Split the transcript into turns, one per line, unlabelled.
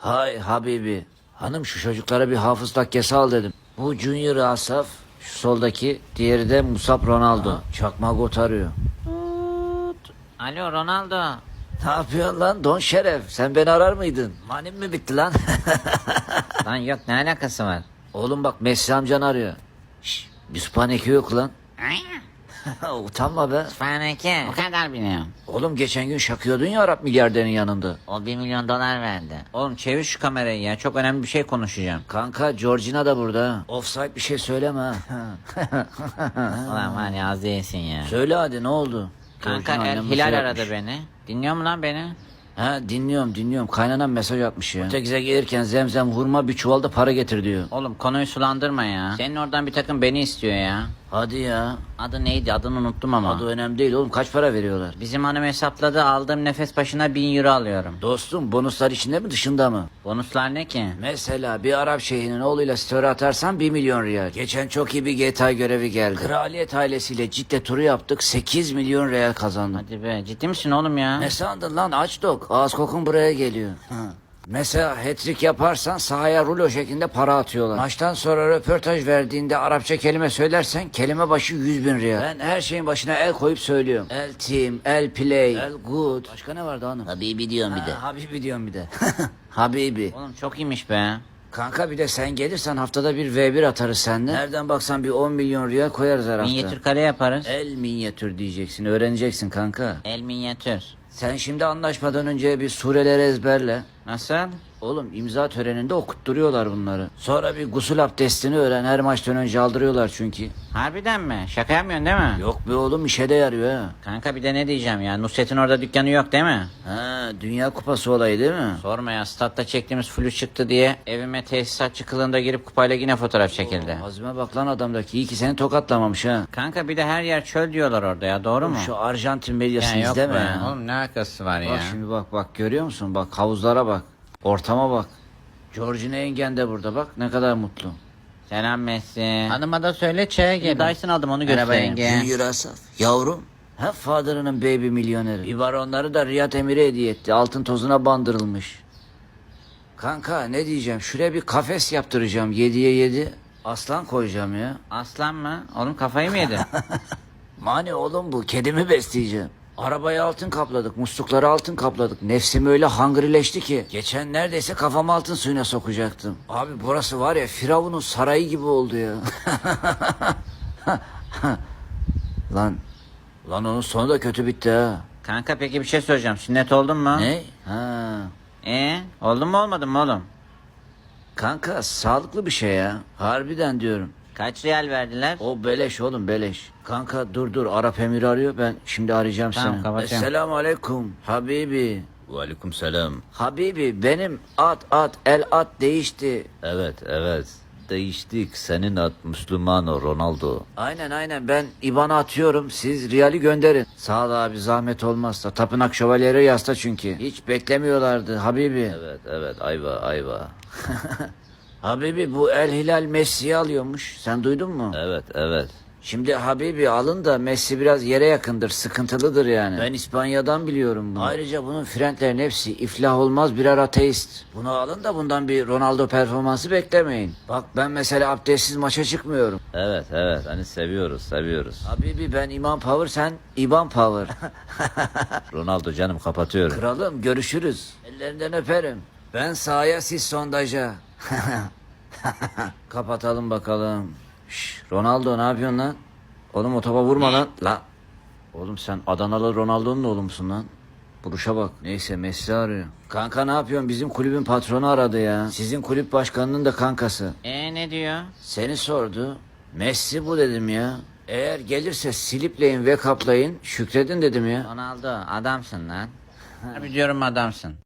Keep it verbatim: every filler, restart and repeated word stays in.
Hay Habibi. Hanım şu çocuklara bir hafız takkesi al dedim. Bu Junior Asaf, şu soldaki, diğeri de Musab Ronaldo. Çakma got arıyor.
Alo Ronaldo.
Ne yapıyorsun lan Don Şeref? Sen beni arar mıydın? Manim mi bitti lan?
Lan yok, ne alakası var?
Oğlum bak Messi amcan arıyor. Şşş, bir spaneki yok lan. Utanma be.
Faneke. O kadar biliyorum.
Oğlum geçen gün şakıyordun ya Arap milyarderin yanında.
O bir milyon dolar verdi. Oğlum çevir şu kamerayı ya. Çok önemli bir şey konuşacağım.
Kanka Georgina da burada. Offside bir şey söyleme ha.
Ulan var ya, az değilsin ya.
Söyle hadi ne oldu?
Kanka
Georgina
El
annem
Hilal
mesaj
aradı
atmış.
beni. Dinliyor mu lan beni?
Ha dinliyorum dinliyorum. Kaynanan mesaj atmış ya. Ötekize gelirken zemzem hurma bir çuvalda para getir diyor.
Oğlum konuyu sulandırma ya. Senin oradan bir takım beni istiyor ya.
Hadi ya.
Adı neydi? Adını unuttum ama.
Adı önemli değil oğlum, kaç para veriyorlar?
Bizim hanım hesapladı, aldığım nefes başına bin euro alıyorum.
Dostum bonuslar içinde mi dışında mı?
Bonuslar ne ki?
Mesela bir Arap şeyhinin oğluyla story atarsan bir milyon riyal. Geçen çok iyi bir G T A görevi geldi. Kraliyet ailesiyle Cidde turu yaptık, sekiz milyon riyal kazandım.
Hadi be, ciddi misin oğlum ya?
Ne sandın lan aç dok? Ağız kokun buraya geliyor. Mesela hat-trick yaparsan sahaya rulo şeklinde para atıyorlar. Maçtan sonra röportaj verdiğinde Arapça kelime söylersen kelime başı yüz bin riyal. Ben her şeyin başına el koyup söylüyorum. El team, el play, el good. Başka ne vardı hanım?
Habibi diyorum bir de.
Ha, Habibi diyorum bir de. Habibi.
Oğlum çok iyiymiş be.
Kanka bir de sen gelirsen haftada bir V bir atarız seninle. Nereden baksan bir on milyon riyal koyarız her hafta.
Minyatür kare yaparız.
El minyatür diyeceksin, öğreneceksin kanka.
El minyatür.
Sen şimdi anlaşmadan önce bir sureleri ezberle.
Nasıl?
Oğlum imza töreninde okutturuyorlar bunları. Sonra bir gusül abdestini öğren, her maçtan önce aldırıyorlar çünkü.
Harbiden mi? Şaka yapmıyorsun değil mi?
Yok be oğlum, işe de yarıyor ha.
Kanka bir de ne diyeceğim ya, Nusret'in orada dükkanı yok değil mi?
Ha, Dünya Kupası olayı değil mi?
Sorma ya, statta çektiğimiz flu çıktı diye evime tesisatçı kılığında girip kupayla yine fotoğraf çekildi.
Oo, Azime bak lan adamdaki, iyi ki seni tokatlamamış ha.
Kanka bir de her yer çöl diyorlar orada ya, doğru mu?
Şu Arjantin medyasını
Ya yok
izleme
be.
ya.
Oğlum ne alakası var ya?
Bak şimdi bak bak, görüyor musun? Bak havuzlara bak. Ortama bak. Georgina yengen de burada bak, ne kadar mutlu.
Selam Messi. Hanıma da söyle çaya gel. Dyson aldım, onu
Merhaba
göstereyim.
yenge. Junior Asaf. Yavrum. Ha father'ının baby milyoneri. Bir baronları da Riyad Emir'e hediye etti. Altın tozuna bandırılmış. Kanka ne diyeceğim? Şuraya bir kafes yaptıracağım. Yediye yedi. Aslan koyacağım ya.
Aslan mı? Oğlum kafayı mı yedin?
Mani oğlum bu. Kedimi besleyeceğim. Arabayı altın kapladık. Muslukları altın kapladık. Nefsim öyle hangrileşti ki. Geçen neredeyse kafamı altın suyuna sokacaktım. Abi burası var ya, Firavun'un sarayı gibi oldu ya. Lan. Lan onun sonu da kötü bitti ha.
Kanka peki bir şey soracağım. Sünnet oldun mu?
Ne? Ha.
Ee, oldun mu olmadın mı oğlum?
Kanka sağlıklı bir şey ya. Harbiden diyorum.
Kaç riyal verdiler?
O beleş oğlum, beleş. Kanka dur dur, Arap Emir arıyor, ben şimdi arayacağım
Tamam,
seni.
kapatıyorum.
Esselamu aleyküm Habibi.
Aleyküm selam.
Habibi benim at at el at değişti.
Evet evet. Değiştik. Senin ad Müslümano Ronaldo.
Aynen aynen, ben IBAN'a atıyorum, siz Riyal'i gönderin. Sağ ol abi, zahmet olmazsa. Tapınak şövalyeleri yasta çünkü. Hiç beklemiyorlardı Habibi.
Evet evet ayva ayva.
Habibi bu El Hilal Messi'yi alıyormuş. Sen duydun mu?
Evet evet.
Şimdi Habibi alın da Messi biraz yere yakındır, sıkıntılıdır yani. Ben İspanya'dan biliyorum bunu. Ayrıca bunun frentlerin hepsi iflah olmaz birer ateist. Bunu alın da bundan bir Ronaldo performansı beklemeyin. Bak ben mesela abdestsiz maça çıkmıyorum.
Evet evet. Hani seviyoruz seviyoruz.
Habibi ben İmam Power, sen İban Power.
Ronaldo canım, kapatıyorum.
Kralım görüşürüz. Ellerinden öperim. Ben sahaya, siz sondaja. Kapatalım bakalım. Şş, Ronaldo ne yapıyorsun lan? Oğlum o topa vurma lan. La. Oğlum sen Adanalı Ronaldo'nun oğlu musun lan? Buruşa bak. Neyse Messi arıyor. Kanka ne yapıyorsun? Bizim kulübün patronu aradı ya. Sizin kulüp başkanının da kankası.
Ee ne diyor?
Seni sordu. Messi bu dedim ya. Eğer gelirse silipleyin ve kaplayın. Şükredin dedim ya.
Ronaldo adamsın lan. Harbi diyorum adamsın.